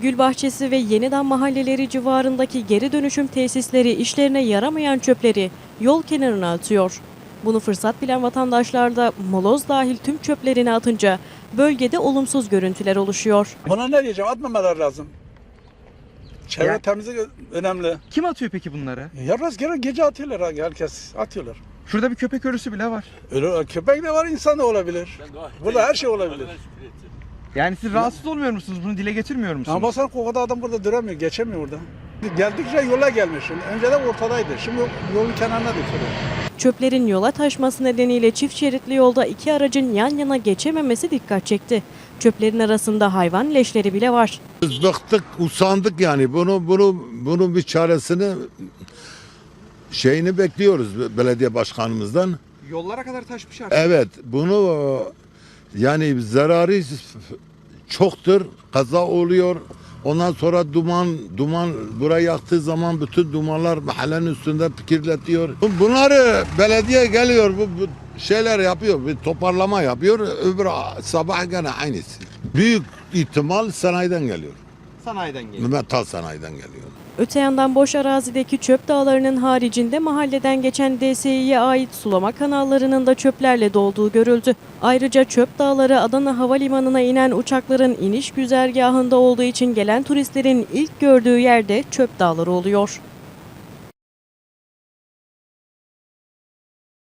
Gülbahçesi ve Yenidam mahalleleri civarındaki geri dönüşüm tesisleri işlerine yaramayan çöpleri yol kenarına atıyor. Bunu fırsat bilen vatandaşlar da moloz dahil tüm çöplerini atınca bölgede olumsuz görüntüler oluşuyor. Buna ne diyeceğim? Atmamalar lazım. Çevre Ya- temizlik önemli. Kim atıyor peki bunları? Ya rastgele gece atıyorlar, herkes atıyorlar. Şurada bir köpek ölüsü bile var. Öyle köpek de var, insan da olabilir. Burada her şey olabilir. Yani siz rahatsız olmuyor musunuz? Bunu dile getirmiyor musunuz? Ama baksana kokuda adam burada duramıyor, geçemiyor burada. Geldikçe yola gelmiş. Önceden ortadaydı, şimdi yolun kenarına dökülüyor. Çöplerin yola taşması nedeniyle çift şeritli yolda iki aracın yan yana geçememesi dikkat çekti. Çöplerin arasında hayvan leşleri bile var. Biz bıktık, usandık yani. Bunun bir çaresini bekliyoruz belediye başkanımızdan. Yollara kadar taşmış artık. Evet, bunu yani zararı çoktur. Kaza oluyor. Ondan sonra duman burayı yaktığı zaman bütün dumanlar mahallenin üstünde kirletiyor. Bunları belediye geliyor, bu şeyler yapıyor, bir toparlama yapıyor. Öbür sabah gene aynısı. Büyük ihtimal sanayiden geliyor. Sanayiden geliyor. Metal sanayiden geliyor. Öte yandan boş arazideki çöp dağlarının haricinde mahalleden geçen DSİ'ye ait sulama kanallarının da çöplerle dolduğu görüldü. Ayrıca çöp dağları Adana Havalimanı'na inen uçakların iniş güzergahında olduğu için gelen turistlerin ilk gördüğü yerde çöp dağları oluyor.